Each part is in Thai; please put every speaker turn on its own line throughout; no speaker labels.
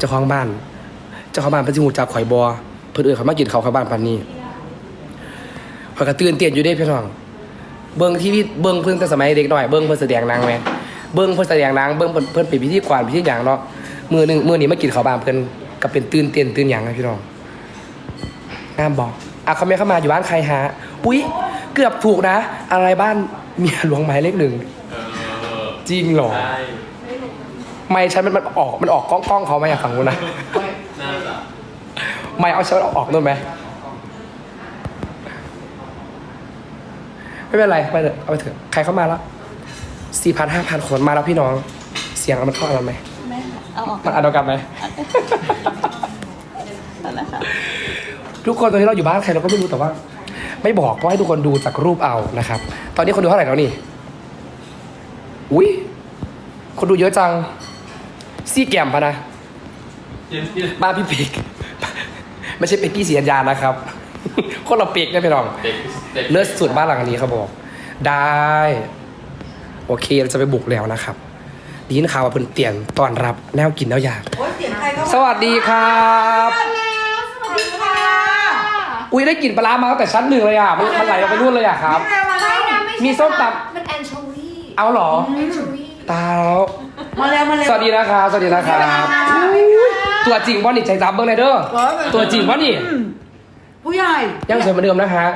จ้าของบ้านเพิ่นสิฮู้จักข่อยบ่เพิ่นเอิ้นเขามากินข้าวเข้าบ้านปานนี้ข่อยก็ตื่นเต้นอยู่เด้พี่น้องเบิ่งทีวีเบิ่งเพิ่นแต่สมัยเด็กน้อยเบิ่งเพิ่นแสดงหนังแหมเบิ่งเพิ่นแสดงหนังเบิ่งเพิ่นเป็นพิธีกรพิธีหยังเนาะมื้อนี้มากินข้าวบ้านเพิ่นก็เป็นตื่นเต้นตื่นหยังนะพี่น้องงามบ่เขาไม่เข้ามาอยู่บ้านใครฮะอุ๊ยเกือบถูกนะอะไรบ้านเมียหลวงหมายเลข1จริงเหรอไม่ฉันมันออกกล้องเขาไหมอยากฟังกูนะไม่เอาฉันออกนู่นไหมไม่เป็นไรไปเถอะเอาไปเถอะใครเข้ามาแล้ว4,000-5,000 คนมาแล้วพี่น้องเสียงมันเข้าอะไรไหม
เอาออก
มันอัดเดียวกันไหมทุกคนตอนนี้เราอยู่บ้านใครเราก็ไม่รู้แต่ว่า ไม่บอกก็ให้ทุกคนดูจากรูปเอานะครับตอนนี้คนดูเท่าไหร่แล้วนี่อุ้ยคนดูเยอะจังซี่แกมพะนะบ้านพี่เป็กไม่ใช่เป็กกี้สีอัญญานะครับคนเราเป็กได้ไปลองเลิศสุดบ้านหลังนี้เขาบอกได้โอเคเราจะไปบุกแล้วนะครับดีนข่าวว่าเพิ่นเตียนตอนรับแนวกินแล้วอยากสวัสดีครับอุ้ยได้กลิ่นปลาร้ามาตั้งแต่ชั้น 1เลยอ่ะมันไหลลงไปนู่นเลยอ่ะครับมีส้มตำ
มันแอนโชวี
เอาเหรอตาแล้ว
มาแล้ว
สวัสดีนะครับตัวจริงว่านี่ใจจับเบิ้งเลยเด้อตัวจริงว่านี่
ผู้ใหญ่
ยังสวยเหมือนเดิมนะฮะ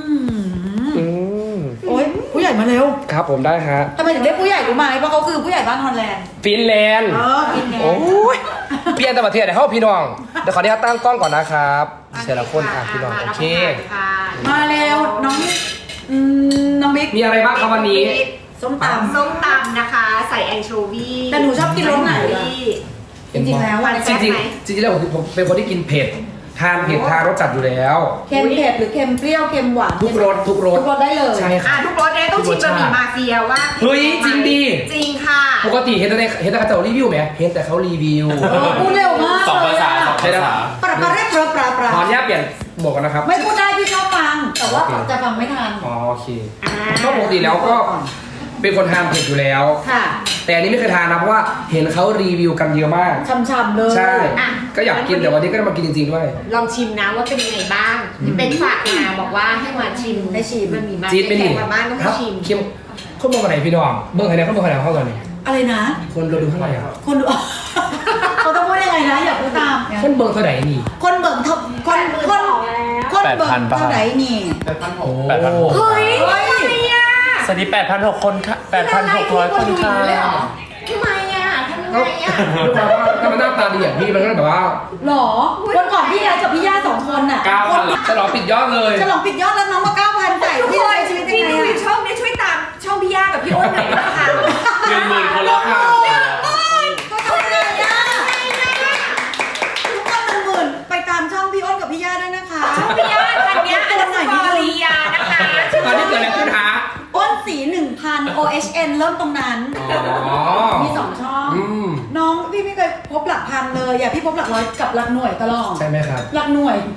โอ้ยผู้ใหญ่มาเร็ว
ครับผมได้ฮะ
ทำไมถึงเรียกผู้ใหญ่รู้ไหมเพราะเขาคือผู้ใหญ่บ้านฮอลแลนด์
ฟินแลนด์โอ้ยเปลี่ยนแต่ประเทศไหนเข้าพี่น้องเดี๋ยวขออนุญาตตั้งกล้องก่อนนะครับเสียละคนค่ะพี่น้องโอเค
มาเร็วน้องบิ๊ก
มีอะไรบ้างครับวันนี้
ส้มตำนะคะใส่แอนโชวี
แต่หนูชอบกินรสไหนจริงๆแล้ว
จริงๆแล้วผมเป็นคนที่กินเผ็ดทานเผ็ดทานรสจัดอยู่แล้ว
เค็มเผ็ดหรือเค็มเปรี้ยวเค็มหวาน
ทุกรส
ได้เลย
ใช่ค่ะ
ทุกรสได้ต้องชิมบะหมี่มาเฟียว่า
เฮ้ยจริงดี
จริงค่ะ
ปกติเห็นแต่เขารีวิวไหมเห็นแต่เขารีวิว
พูดเร็วมาก
2 ภาษา
ปลาเรียกปลา
ขออนุญาตเปลี่ยนบอกกันนะครับ
ไม่พูดได้พี่ชอบฟังแต่ว่าจะฟังไม่ทัน
โอเคก็ปกติแล้วก็เป็นคนทานเผ็ดอยู่แล้ว
ค่ะ
แต่อันนี้ไม่เคยทานนะเพราะว่าเห็นเขารีวิวกันเยอะมาก
ช่ำๆเลย
ใช่ก็อยากกินแต่วันนี้ก็ได้มากินจริงๆด้วย
ลองชิมนะว่าเป็นยังไงบ้างเป็นฝากมาบอกว่าให้มาชิม
ได้ชิม
มันมีมา
จีนเป็น
มาบ้านต้องชิม
เข้มคนมองกันไหนพี่น้องเบิ้งใครเนี่ยเขาเบิ้งใครเข้ากันนี่
อะไรนะ
คนเราดูเท่าไหร่อ่ะ
คนดูเขาต้องพูดยังไงนะอย่าพูดตาม
คนเบิ้งเท่าไหร่นี่
คนเบิ้งคนเบิ้งเท่าไหร่นี่
8,000
เฮ้ย
สวัสดี 8,600 คนค่ะ 8,600 คนค่ะ
ทำไมอ่ะ
ถ้ามันหน้าตาดีอย่างพี่มันก็แบบว่า
หรอวันก่อนพี่ยายกับพี่ย่า2 คนอ่ะ
9,000จะลองปิดยอดเลย
จะลองปิดยอดแล้วน้องมา 9,000 ใส่
พี่เลยชีวิตยังไงอ่ะช่องนี้ช่วยตามช่องพี่ย่ากับพี่อ้นหน่อยนะคะ
10,000 คนแล้วค่ะ
ก็ทำไงอ่ะทุกคน10,000ไปตามช่องพี่อ้นกับพี่ย่าด้วยนะคะ
ช่องพี่ย่าตอนนี้อันดับกอรียานะคะ
ตอนนี้เกิดอะไรขึ้นฮะ
อ้นสี 1,000 OHN เริ่มตรงนั้นมี2 ช่องน้องพี่ไม่เคยพบหลักพันเลยอย่าพี่พบหลักร้อยกับหลักหน่วยตลอด
ใช่ไหมครับ
หลักหน่วย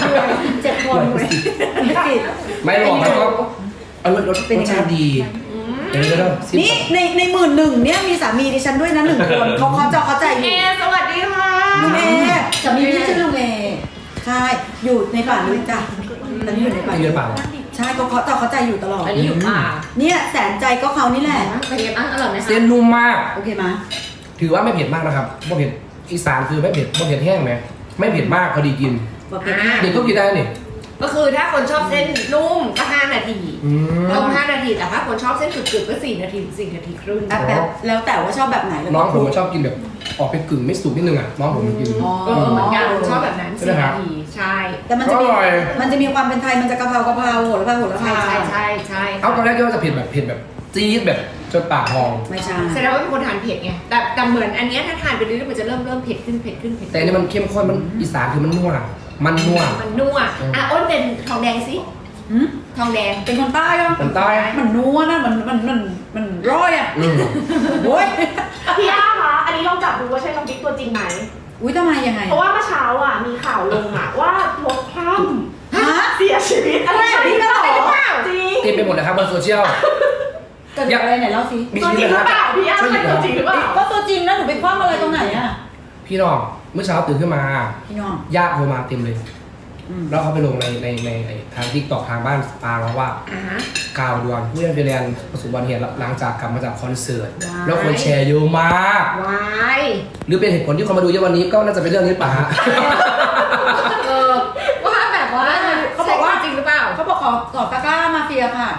7 คน
ไม่หรอกมันก็รสเป็นชาดี
นี่ใน11,000เนี่ยมีสามีดิฉันด้วยนะ1 คนเขาจะเข้าใจอยู่
สวัสดีค่ะ
ลุงเอสามีพี่ชื่อลุงเอใช่อยู่ในป่านี้จ้ะตอนนี้อยู่ในป่าใช่เขาจะเข้าใจอยู่ตลอด
อันนี้อยู่ป่า
เนี่ยแสนใจก็เขานี่แหละ
เป็นยังไงบ้างอร่อยไหมคะ
เส้นนุ่มมาก
โอเคไหม
ถือว่าไม่เผ็ดมากนะครับไม่เผ็ดอีสานคือไม่เผ็ดแห้งไหมไม่เผ็ดมากพอดีกินเด็กก็กินได้นี่
ก็คือถ้าคนชอบเส้นนุ่มก็5 นาทีต้ม5 นาทีแต่ถ้าคนชอบเส้นกรึบๆก็4 นาที4 นาทีครึ่ง
แบบแล้วแต่ว่าชอบแบบไหน
น้องผมชอบกินแบบออกเป็นกึ่งไม่สุกนิดนึงอ่ะน้องผมกิน
เหมือนกันชอบแบบนั้น4 นาทีใช่
แต่มันจะมีความเป็นไทยมันจะกะเพราโหระพา
ใช่
เอาตอนแรกก็ว่าจะเผ็ดแบบจี๊ดแบบจนปากพอง
ไม่ใช่
แสดงว่าเป็นคนทานเผ็ดไงแต่เหมือนอันนี้ถ้าทานไปเรื่อยๆมันจะเริ่มเผ็ดขึ้น
แต่นี่มันเข้มข้นมันอีสานคือมันนัว
อ้นเป็นทองแดงสิทองแดง
เป็นคนใต้ก็
คนใต้
มันนัวนะมันร้อยอ่ะโว้ย
พี่ย่าคะอันนี้ลองจับดูว่าใช่น้องบิ๊กตัวจริงไหม
อุ้ยทำไมยังไง
เพราะว่าเมื่อเช้าอ่ะมีข่าวลงอ่ะว่ารถคว่ำเสียชีวิต
อะไรพี่ก็หรอ
จริง
เต็มไปหมดเลยครับบนโซเชียล
เกิดอะไรไหนเล่าสิ
ตัวจริงหรือเปล่าพี่ย่าเป็นตัวจริงหรือเปล่า
ก็ตัวจริงนะหนูไปคว่ำอะไรตรงไหนอ่ะ
พี่น้องเมื่อเช้าตื่นขึ้นมา
พี่น้อง
ญาติโทรมาเต็มเลย แล้วเขาไปลงในทางทิกตอกทางบ้านปาแล้วว่า กาวดวงผู้เล่นเฟรนประสบอุบัติเหตุหลังจากกลับมาจากคอนเสิร์ตแล้วคนแชร์เยอะมาก
วาย
หรือเป็นเหตุผลที่คนมาดูเยอะวันนี้ก็น่าจะเป็นเรื่องนี้ป่ะฮะ
ว่าแบบว่า
เขาบอกว่า
จริงหรือเปล่า
เขาบอกขอตะกร้ามาเฟียค่ะ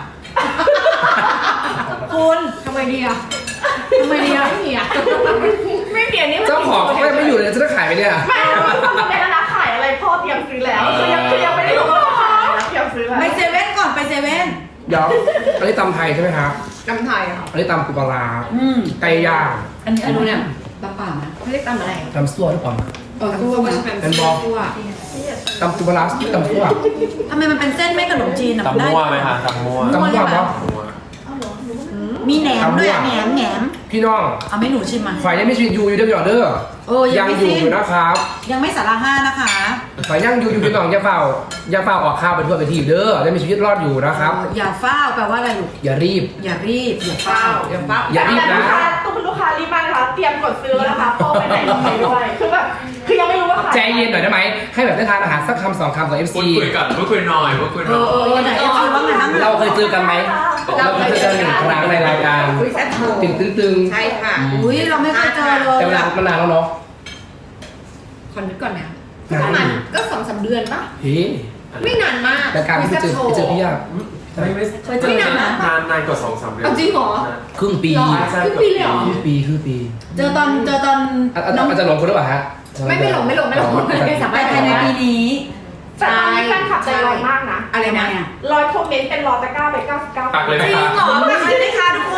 คุณ
ทำไมดีอ่ะ
ทำไมเนี่ย
ไม่มีอ่ะไม่เปลี่ยนนี่มัน
เจ้าของเขายังไม่อยู่เลยจะได้ขายไปเนี่ย
ไม่รู้ว่ามันเป็นร้านขายอะไรพ่อเตรียมซื้อแล้วคือยังไม่ได้รู้ว่าขายแล้วเตรียมซื้อแล้ว
ไปเซเว่นก่อนไปเซเว่น
เดี๋ยวอันนี้ตำไทยใช่ไหมครับ
จำไทยอ่ะ
อันนี้ตำปูปลาร้าไก่ย่าง
อันนี้เนี่ยปลาป่านะ
เขาเรียกตำอะไร
ตำซั่วหรือเปล่า
ตัวมัน
เป็นบอล
ตัว
ตำปูปลาร้าตำซั่ว
ทำไมมันเป็นเส้นไม่ขนมจีนอ่ะ
ตำมั่วไหมคะตำมั่ว
ตำซั่วเนาะ
มีแหนมด้วยอะแหนม
พี่น้อง
เอาไม่หนูชิมมา
ฝ่ายยังไม่ชีวิตอยู่เด้อพี่น้องเด้อ
โอ้ยั
ยัง ง
ไม่
อยู่
สิ้น
อยู่นะครับ
ยังไม่สาระห้านะคะ
ฝ่ายยังอยู่พี่น้องอย่าเฝ้าออกข่าวไปทั่วไปทีบเด้อยังมีชีวิตรอดอยู่นะครับ
อย่าเฝ้าแปลว่าอะไรลูก
อย่ารีบ
อย่ารีบอย่า
เปล่า
เฝ้า
เดี๋ยวปั๊บ
อย่ารีบนะ
ตู้คุณลูกค้ารีบมากนะคะเตรียมกดซื้อแล้วนะคะพ่อไปไหนลงไปด้วยคือแบบคือยังไม่รู้ว่าขาย
ใจเย็นหน่อยได้ไหมให้แบบได้ทานอาหารสักคำสองคำกับ FC
พูดคุยกันพูดคุยหน่อยพูดคุยหน่อย
ไหนจะคิดว่าไงบ้าง
เราเคยเจอกันไหมเราเคยเจอกันหนึ่งครั้งในรายการ
คุยแซ่บโทร
ตึง
ใช่ค่ะ
อุ้ยเราไม่เคยเจอเลย
แต่มันนานแล้วเนาะ
คอนนึกก่อนนะ
นาน
ประมาณก็2-3 เดือนปะ
เฮ้ย
ไม่นานมาก
รายการที่เจอพี่ยาก
ไม่
เคยเจอกันนะ
นานกว่า2-3 เดือน
เอาจริงเหรอ
ครึ่งปี
หรอครึ่งปีเลยเหรอ
ครึ่งปี
เจอตอน
อาจจะหลงคนหรือเปล่าฮะ
ไม่หลงไม่สามารถ
ภายในปีนี้
แต่ตอนนี้แฟนคลับใจร้อนมากนะ
อะไรนะ
ร้อยคอมเมนต์เป็นรอตะกร้าไป99
ปักเลย
จ
นะ
ริง
คะ
เหรอไม่ใช่ไหมคะทุกคน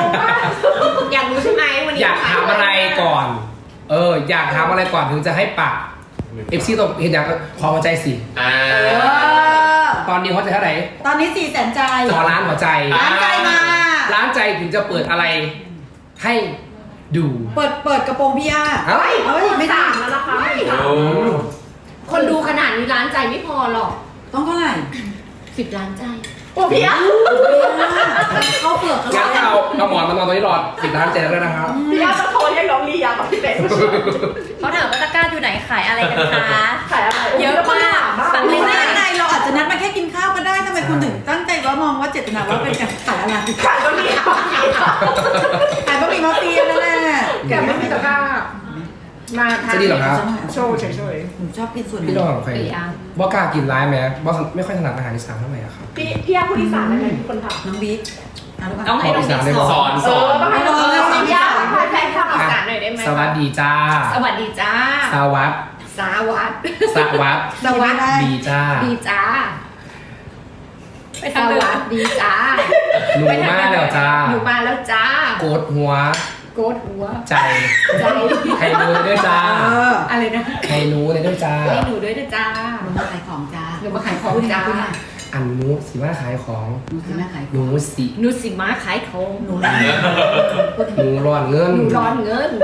อยากรู้ใช่ไหมวันนี้
อยากถามอะไรก่อน อยากถามอะไรก่อนถึงจะให้ปัก FC ต้องเห็นอย่างขอหัวใจสิ
อ่า
ตอนนี้หัวใจเท่าไหร่
ตอนนี้400,000 ใจ
ขอล้านหัวใจ
ล้านใจมา
ล้านใจถึงจะเปิดอะไรให้ดู
เปิดกระโปรงพี่ย่า
เฮ้ย
เฮ้ยไม่ได้
แล้วนะคะ
โอ้
คนดูขนาดนี้ล้านใจไม่พอหรอก
ต้องเท่าไหร่
10 ล้านใจ
โอ้พี่อะ
เข้าเปลือก
งั้นเอาหมอนมานอนตรงนี้รอ10 ล้านใจแล้วนะครับ
พี่อะจะโทรเรียกน้องลียากับพี่เป็ด
เขาถามว่าตะกร้าอยู่ไหนขายอะไรกันคะ
ขายอะไร
เยอะมากปัง
ไม่
เลย
ได้
นะ
ไงเราอาจจะนัดมาแค่กินข้าวก็ได้ทำไมคุณถึงตั้งใจว่ามองว่าเจตนาว่าเป็นการขายอะไร
ขายก็มีขาย
ขายบะหมี่มาเฟียนั่นแหละ
แกไม่มีตะกร้า มาทาน
จะดีเหรอครับ
โชว์เฉย
ผมชอบกินส่วน
พี่
นี้
น้องใครบ่กล้ากินร้ายไหมบ่ไม่ค่อยถนัดอาหารอีสานเท่าไหร่อะครับ
พี่อะผู้ดีสานอะไรมีคนถาม
น้องบิ๊กเอาลูก
ต้องให้น้องบิ๊ก
ข
ส
อ
อน
สอน
ต้องให้น้องลียาคอยแฟนคลับ
ๆอีสานหน่อยได้ไหม
สวัสดีจ้า
สวัสดีจ้า
สวัสด
สวัสดี
สวัสด
สวัสดี
ดีจ้า
ดีจ้า
ไป
ส
ทางเดิ
วัส
ม
ดีจ้า
หนูมาแล้วจ้า
อยู่มาแล้วจ้า
โกดหัว
โกดหัว
ใจ
ใจ
ให้หนูด้วยจ้า
อะไรนะ
ให้หนูเลยด้วยจ้า
ให้หนูด้วยนะจ้า
หนูมาขายของจ้า
หนูมาขายของจ้า
อันหนูสิมาขายของ
หนูคือแม่ขายข
หนู
อง
สิ
หนูสิมาขายของ
หนูนะ
หนูร้อนเงิน
หนูร้อนเงิน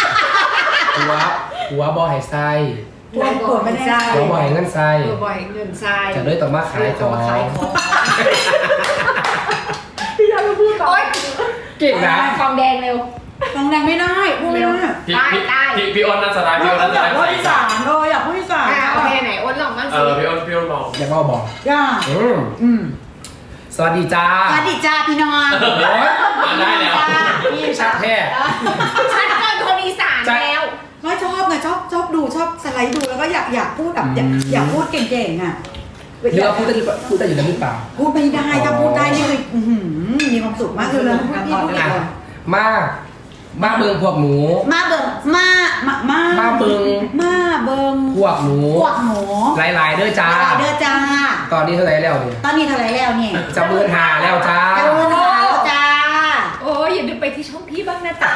หัวบ่ให้ใส่
หัวโกรธไม่ได้
หัวบ่ให้เงินใส่
ตัวบ่อยเงินทราย
จะเลยต้องมาขายของ
ขายของ
พี่อะจะพูดต่อ
โอ๊ย
เก่งนะ
ทองแดงเร็ว
ทองแดงไม่ได้พูดไม่ได้
พี่อ้นน่าจะได้พี่อ้นน่าจะ
อยาก
ได้
พูด
ใส่
อีสานอยากพูดอีสาน
โอเคไหนอ้นลองบ้างสิ
พี่อ้นลอง
อยากบอก
อยาก
สวัสดีจ้า
สวัสดีจ้าพี่น้อง
โอ้ย
ได้แล้ว
พี่ชัดแท้
ฉันเกินคนอีสานแล้ว
ไม่ชอบไงชอบดูชอบสไลด์ดูแล้วก็อยากพูดแบบอยากพูดเก่งๆอ่ะ
หรือว่าพูดได้อยู่แล้วหรือเปล่า
พูดไม่ได้ถ้าพูดได้นี่คือมีความสุขมากเลยพูดพี่พูด
อ่ะมาเบิงพวกหนู
มาเบิ่งมาเบิ่ง
พวกหนู
พวกหนู
หลายๆเด้อจ้า
เด้อจ้า
ตอนนี้เท่าไหร่แล้วเนี่ย
ตอนนี้เท่าไรแล้วเนี่ย
จะเบิร์นหาแล้วจ้า
จะเบิ่งหาแล้วจ้า
โอ้ยอย่าลืมไปที่ช่องพี่บ้างนะจ๊ะ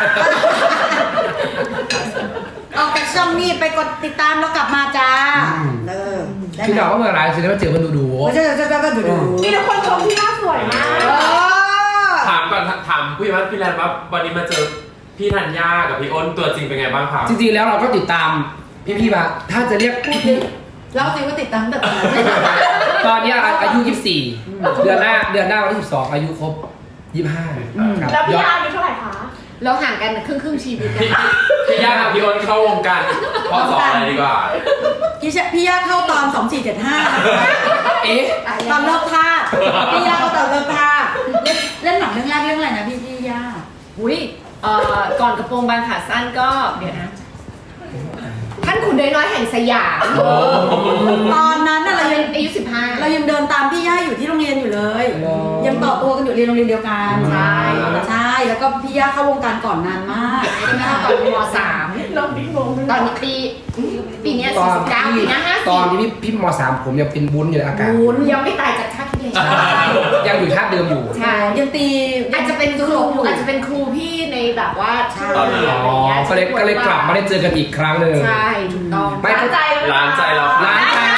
ออกจากช่องนี้ไปกดติดตามแล้วกลับมาจ้าได้
พี่
ไหม
น้องก็เมื่อไรสิได้มาเจอมันดู
จะดู
มีแต่คนชมพี่อะสวยมาก
ถามก่อนถามผู้ใหญ่บ้านพี่แลนด์ว่าวันนี้มาเจอพี่ธัญญากับพี่อ้นตัวจริงเป็นไงบ้างครับ
จริงๆแล้วเราก็ติดตามพี่ๆมาถ้าจะเรียกพี่
เล่าสิว่าติดตามแต่ตอนนั้น
ตอนนี้อายุ 24 เดือนหน้าวันที่ 12 อายุครบ 25 ครับ
แล้วพี่
ยอด
อาอายุเท่าไหร่คะ
เราห่างกันครึ่งชีวิต
พี่ย่ากับพี่อ้นเข้าวงการพอสอนอะไรดีกว่า
พี่ย่าเข้าตอน 2475
เอ๊ะ
ตอนเลิกท่าพี่ย่าเข้าตอนเลิกท่าเล่นหนังเรื่องแรกเรื่องอะไรนะพี่ย่า
อุ้ยก่อนกระโปรงบานขาสั้นก็เดี๋ยวนะท่านขุนน้อยๆแห่งสยาม
ตอนนั้นน่ะ
เรา
เรา
ยั
ยัง ง
อายุ15
เรายังเดินตามพี่ย่าอยู่ที่โรงเรียนอยู่เลย ยังต่อตัวกันอยู่เรียนโรงเรียนเดียวกัน
ใช่
ใช่แล้วก็พี่ย่าเข้าวงการก่อนนานมากใช่ไหมคะ
ตอนม3
เราดิ้งงง
ตอนนี้ปีเนี้ย
ตอน
49ปีหน้า
ตอนที่พี่ม.3 ผมยังเป็นวุ้นอยู่ในอากาศ
วุ้น
50ยังไม่ตายจากชาติที่แล้ว
ยังอยู่ท่าเดิมอยู่
ใช่
ยังตี
อาจจะเป็นครูอาจจะเป็นครูพี่ในแบบว่า
ตอนนั้น
อะไรอย่างเงี้ย
ก็เลยกลับมาได้เจอกันอีกครั้งหนึ่ง
ใช่ถูกต้อง
ไม่
ร้านใจ
ร้านใจเรา
ร้านใจ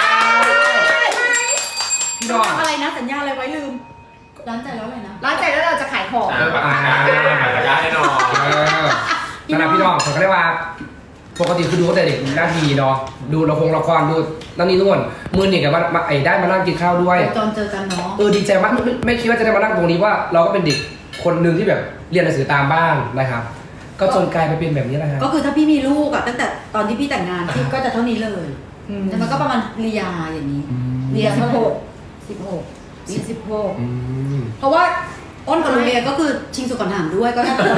พี่น้อง
อะไรนะสัญญาอะไรไว้ลืมร้านใจแล้วอะไรนะ
ร้านใจแล้วเราจะขายของ
ปากกาปากกาให้หน่อย
นั่นแหละพี่น้องผมก็เรียกว่าปกติคือดูตั้งแต่เด็กหน้าทีเนาะดูละครดูนั่นนี่นู่นมือหนึ่งกับมาได้มานั่งกินข้าวด้วย
ตอนเจอกันเนาะ
ดีใจมากไม่คิดว่าจะได้มานั่งตรงนี้ว่าเราก็เป็นเด็กคนหนึ่งที่แบบเรียนหนังสือตามบ้านนะครับ ก็จนกลายไปเป็นแบบนี้นะฮะ
ก็คือถ้าพี่มีลูกอะตั้งแต่ตอนที่พี่แต่งงานพี่ก็จะเท่านี้เลยแต่มันก็ประมาณเรียอย่างนี้เรีย16
อืม
เพราะว่าอ้นกับโรงเรียนก็คือชิงสุกก่อนถามด้วยก็น่าจะ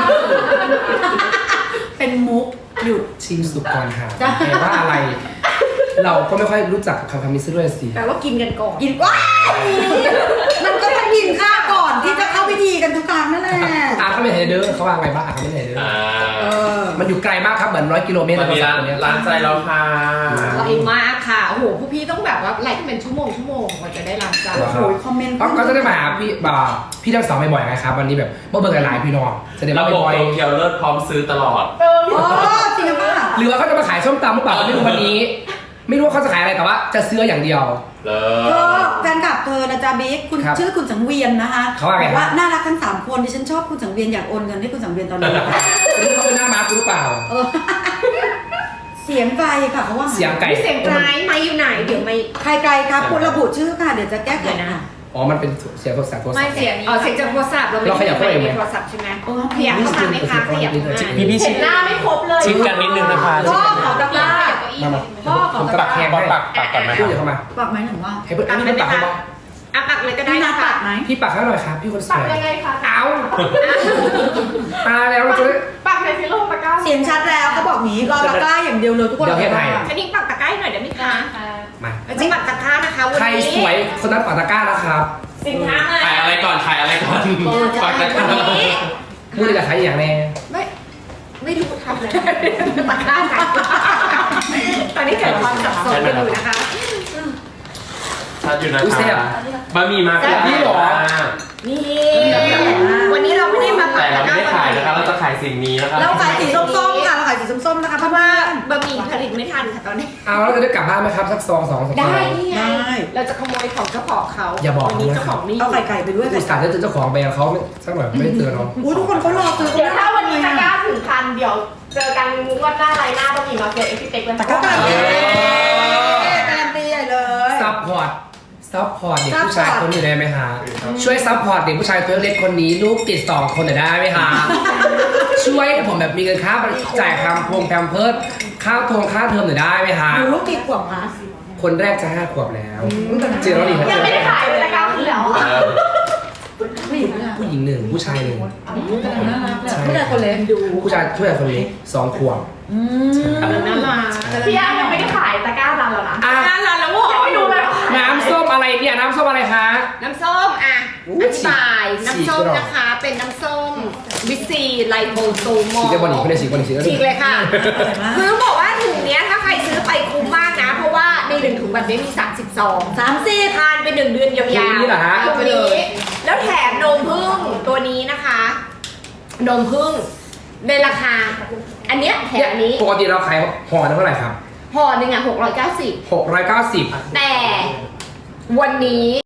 เป็นมุกหยุด
ชิงสุกก่อนค่ะ
จ้ะ
แต่ว่าอะไร เราก็ไม่ค่อยรู้จักคำนี้ซะด้วยสิ
แปลว่ากินกันก่อน
กินว้ายมันก็ต้องกินข้าวก่อนที่จะเข้าพิธีกันทุกครั้งนั่นแหละ
เขาไม่เห็นเด้อเขาว่าไงบ้างเขาไม่เห็นเด้อ
เออ
มันอยู่ไกลมากครับเหมือน100 กิโลเมตร
มันมีร้าน
ตรงเนี้ย
ร้านใจเราค่ะ
ไวมากค่ะโอ้โหพวกพี่ต้องแบบว่าไลฟ์เป็นชั่วโมงกว่าจะได้ร้านใจ
โอ้โหคอมเมนต์
ก็จะได้มาหาพี่ทั้งสองบ่อยๆไงครับวันนี้แบบเบิ่งกันหลายพี่น้องจะได้
ระ
มา
บบ
บ่อย
โตเกียวเลิศพร้อมซื้อตลอด
เออ
อ๋อจริงหรือเปล่า
หรือว่าเขาจะมาขายส้มตำหรือเปล่าไม่รู้วันนี้ ไม่รู้ว่าเขาจะขายอะไรแต่ว่าจะซื้ออย่างเดียว
เล
ก็
ย
แฟนคลับเธอนะจ๊ะบิ๊กคุณ
ครับ
ชื่อคุณสังเวียนนะคะ
เขาว่าไง
บอกว่าน่ารักทั้ง3คนดิฉันชอบคุณสังเวียนอยากโอนเงินให้คุณสังเวียนตอนนี้
ไม่รู้เขาเป็นหน้าม้าคุณหรือเปล่า
เออเสียงไกลค่ะเขาว่า
เสียงไก่
พี่เสียงไกลไม่อยู่ไหนเดี๋ยวไม่
ใครไกลครับคุณระบุชื่อค่ะเดี๋ยวจะแก้ไข
เดี๋ยวนะ
ค่ะ
อ๋อมันเป็นเสียงโทรศัพท์
ไม่เสียง
อ๋อเสียงจากโทรศัพท์เราไม่
เราขยับเข้าไปไหม
โทรศัพท์ใช่ไหม
เออ
ขยับเข้ามาไหมคะขยับเข้ามา
พี่
เห็นหน้าไม่ครบเลย
ชิดกันนิดนึงนะคะ
พ่อขอตะกร้า
มา
พ่อขอ
ผม
ตะ
กระ
ก
ปั
ร้าก
แขงให้
ปักก่อนไหม
พูดอย่าเข้ามา
ปักไหมหนูว่า
ให้เพื่อนอันนี้เป็นปักให้บ้าง
อ่ะปักเลยก็ได้
พี่นั
นะ
ด
คะ
ปักไหม
พี่ปักให้หน่อยครับพี่คนส
ปัก
วย
ยังไงคะ
เอาตาแล้วเราจะได้
ปักในซิโร่ตะกร้า
เสียงชัดแล้วเขาบอกงี้รอตะกร้าอย่างเดียวเลยทุกคน
เดี๋ยวเฮ็ดให้
อันนี้ปักตะกร้าให้หน่อยได้ไหมคะ
มา
อันนี้ปักตะกร้านะคะวัน
ใคร
นี้
สวยคนนั้นปักตะกร้านะครับ
สินค้ามา
ขายอะไรก่อนขายอะไรก่อนปากกา
วันนี้
มือจะขายอย่างแน่
ไม่รู้ทำอะไรตะกร้าไหนตอนนี้เกิดความสับสนกันอยู่นะคะ
ชัดอยู่นะคะบะหมี่มา
นี่หรอ
นี่วันนี้เราไม่ได้มาปั
แต่
ก
เรา
ตะก
ไม่
ร้า
ได้ขายนะคะเราจะขายสิ่งนี้นะคะ
เราขายสีส้มๆค่ะเราขายสีส้มๆนะคะ
เพราะว่าบะหมี่ผลิตไม่ทันค่ะตอนนี้
เอาแล้วจะได้กลับบ้านไหมครับสักซอง2
ได้นี่ไง
ได้
เราจะขโมยของเจ้าของเขา
อย่าบอก
วันนี้
นะ
เจ้าของนี่
เอาไก่ไปด้วย
อุตส่าห์จะเจอเจ้าของแบรนด์เขาสักหน่อยไม่ได้เจอเนาะ
อุ้ยทุกคนเขารอซื้อ
เดี๋ยวถ้าวันนี้ตะกร้าถึงพันเดี๋ยวเจอกันงวดหน้าไรหน้าต้องมีมาเฟียเอ็กซ์เต็กเลย
ตะกร้าการันตีการันตีใหญ่เลย
ซัพพอร์ตเด็กผู้ชายคนนี้ได้ไหมฮะช่วยซัพพอร์ตเด็กผู้ชายตัวเล็กคนนี้ลูกติด2 คนหน่อยได้ไหมฮะช่วยผมแบบมีเงินค่าจ่ายแพมเพิร์ดค่าเทอมหน่อยได้ไหมฮะ
หนูลูกกี่ขวบคะ
คนแรกจะ5 ขวบแล้วเจอแล้วดี
ยังไม่ได้ขายเลยตะกร้าคือแล้ว
ผู้หญิงเนี่ย
ผู้หญิง1ผู้ชาย1
กำลังน่ารักเลยผู้ชายคนเล็กดู
ผู้ชายคนเล็ก2 ขวบ
กำลังน่ารัก
พี่ย่ายังไม่ได้ขายตะกร้ารันแล้วนะ
อ่ะ
น่ารักแล้วเหรอ
ยังไม่ดูเลยว่าขาย
น้ำส้มอะไรเนี่ยน้ำส้มอะไรคะ
น้ำส้มอ่ะ
อู้
อธิบาย
ฉีก
น้ำส้ม
ฉีก
นะคะ เป็นน้ำส้มวิซีไลโบโซมอ
ฉี
ล
กได้บอลหนีไม่ได้ฉีกบอลหนีฉีกได้
ฉีกเลยค่ะ คือต้องบอกว่าถุงเนี้ยถ้าใครซื้อไปคุ้มมากนะ เพราะว่าใน1 ถุงแบบนี้มี32
30
ทานไป1 เดือนยาวๆ
นี่เหรอฮะ
ตัวนี้แล้วแถมนมผึ้งตัวนี้นะคะ นมผึ้งในราคา อันเนี้ยแถมอันนี้
ปกติเราขายห่อเท่าไหร่ครับ
ห่อหนึ่งอ่ะ690
690
แต่วันนี้